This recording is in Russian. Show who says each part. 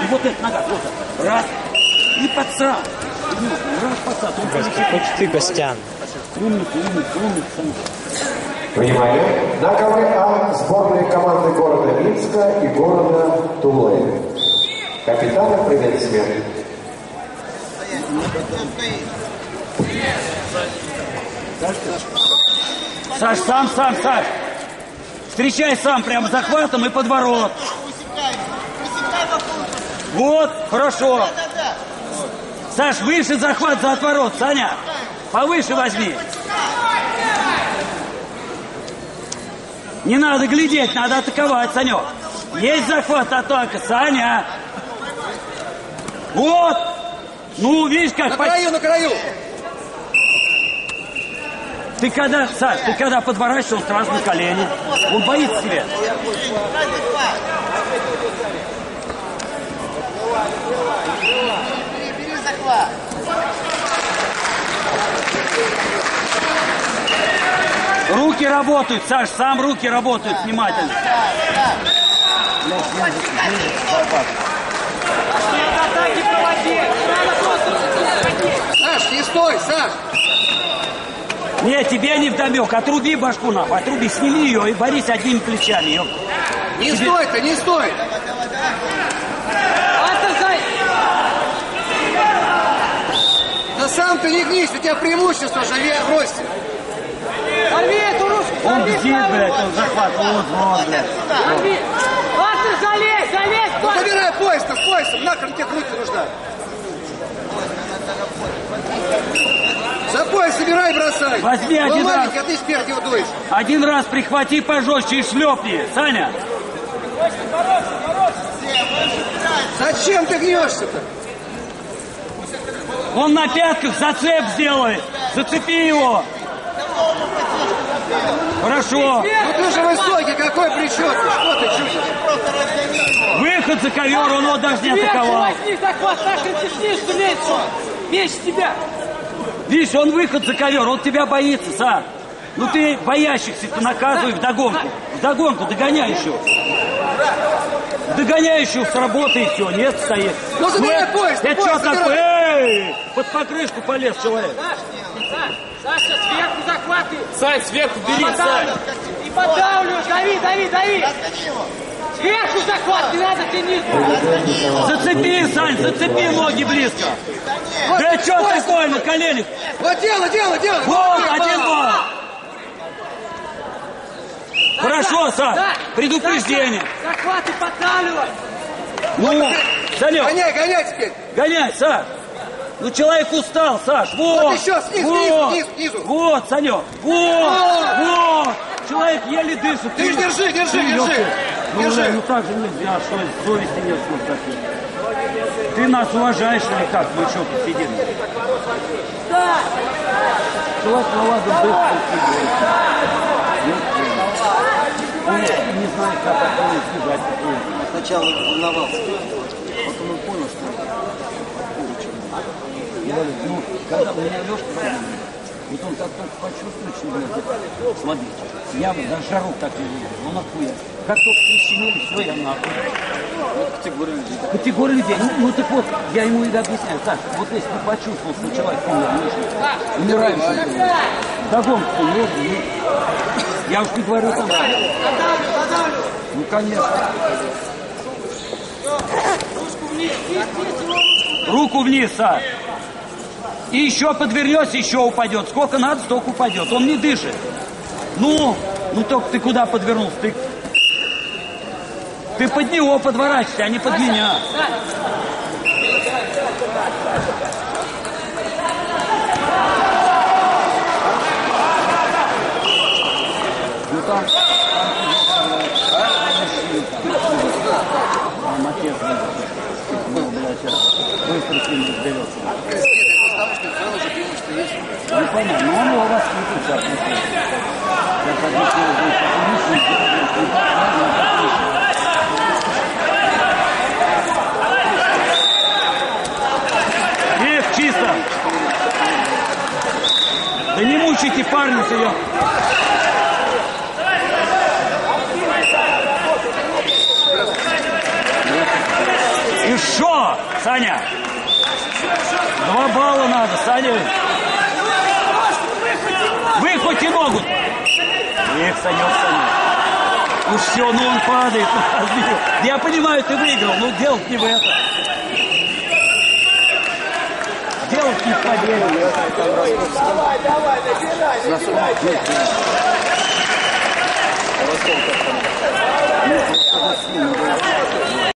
Speaker 1: вот эта нога, вот так. Раз. И подсрал. Раз подсрал.
Speaker 2: Хоть ты, Костян.
Speaker 1: Умница.
Speaker 3: Внимание! На ковре А сборной команды города Минска и города Тулы. Капитаны приветствия.
Speaker 1: Саш, сам, Саш. Встречай сам прям захватом и подворот. Вот, хорошо. Саш, выше захват за отворот, Саня. Повыше возьми. Не надо глядеть, надо атаковать, Санек. Есть захват, атака, Саня. Вот. Ну, видишь, как...
Speaker 4: На краю.
Speaker 1: Ты когда, Саш, ты когда подворачиваешься, он сразу на колени. Он боится тебя.
Speaker 4: Бери захват.
Speaker 1: Руки работают, Саш, сам руки работают внимательно.
Speaker 4: Саш, не стой, Саш!
Speaker 1: Не, тебе не вдомек. Отруби башку нахуй, отруби, сними ее и борись одними плечами. Ёп.
Speaker 4: Не стой-то, не стой! Да сам ты не гнись, у тебя преимущество же в росте.
Speaker 5: Порви эту ручку!
Speaker 1: Он бдит, блядь, он захват, вот, блядь.
Speaker 5: Порви! Ладно, залезь!
Speaker 4: Ну забирай пояс-то, с поясом, нахрен тебе руки нужна. За пояс собирай и бросай.
Speaker 1: Возьми один раз.
Speaker 4: А ты спереди удуешь.
Speaker 1: Один раз прихвати пожестче и шлепни, Саня.
Speaker 4: Зачем ты гнешься-то?
Speaker 1: Он на пятках зацеп сделает. Зацепи его. Хорошо.
Speaker 4: Ну ты же высокий, какой причет? Что ты чудишь?
Speaker 1: Выход за ковер, он его даже не атаковал.
Speaker 5: Возьми захват, нахрен ты снизу лезешь. Меч тебя.
Speaker 1: Видишь, он выход за ковер, он тебя боится, Саш. Ну ты боящихся ты наказывай вдогонку. Вдогонку, догоняй еще. Догоняй еще с работы и все, нет, стоит.
Speaker 4: Ну забирай пояс,
Speaker 1: Это что такое? Эй, под покрышку полез человек.
Speaker 5: Саша, сверху захваты.
Speaker 2: Сань, сверху бери, Сань.
Speaker 5: И подавлю, дави. Сверху захват, не надо тянуть.
Speaker 1: Зацепи, Сань, зацепи ноги близко. Да что такое на коленях?
Speaker 4: Вот дело.
Speaker 1: Вот, 1-2. Хорошо, Сань, предупреждение.
Speaker 5: Захваты подавливай.
Speaker 1: Ну, Санек.
Speaker 4: Гоняй теперь.
Speaker 1: Гоняй, Саш. Ну, человек устал, Саш. Вот
Speaker 4: еще, снизу.
Speaker 1: Вот, Санек. Вот. Человек еле дышит.
Speaker 4: Ты держи.
Speaker 1: Ну так же нельзя, что совести нет. Ты нас уважаешь или как? Мы что тут сидим? Человек наладил дышит. Он не знает, как это избежать.
Speaker 6: Сначала волновался, потом он понял, что я говорю, ну, когда у меня Лешка раненый, вот он как только почувствует, что, блядь, слабее. Я вот даже жару так не видел, ну нахуй. Как только прищемили, все, я нахуй. Вот категория людей. Категория людей. Ну так вот, я ему и объясняю, так, вот если ты почувствовал, что человек умирающий, догонку, я уж не говорю там. Ну, конечно.
Speaker 1: Руку вниз, Саш. И еще подвернется, еще упадет. Сколько надо, столько упадет. Он не дышит. Ну только ты куда подвернулся? Ты под него подворачивайся, а не под меня. Ну там отец был, блядь, быстро с ним разберется. Ну понятно, но он его воспитывает, как Эх, чисто! Да не мучайте парня-то, я... И Хорошо, Саня. 2 балла надо, Саня. Выхвати ногу. Эх, Санек. Ну все, ну он падает. Я понимаю, ты выиграл, но делать не в это. Делать не в победу.
Speaker 4: Давай, набирай.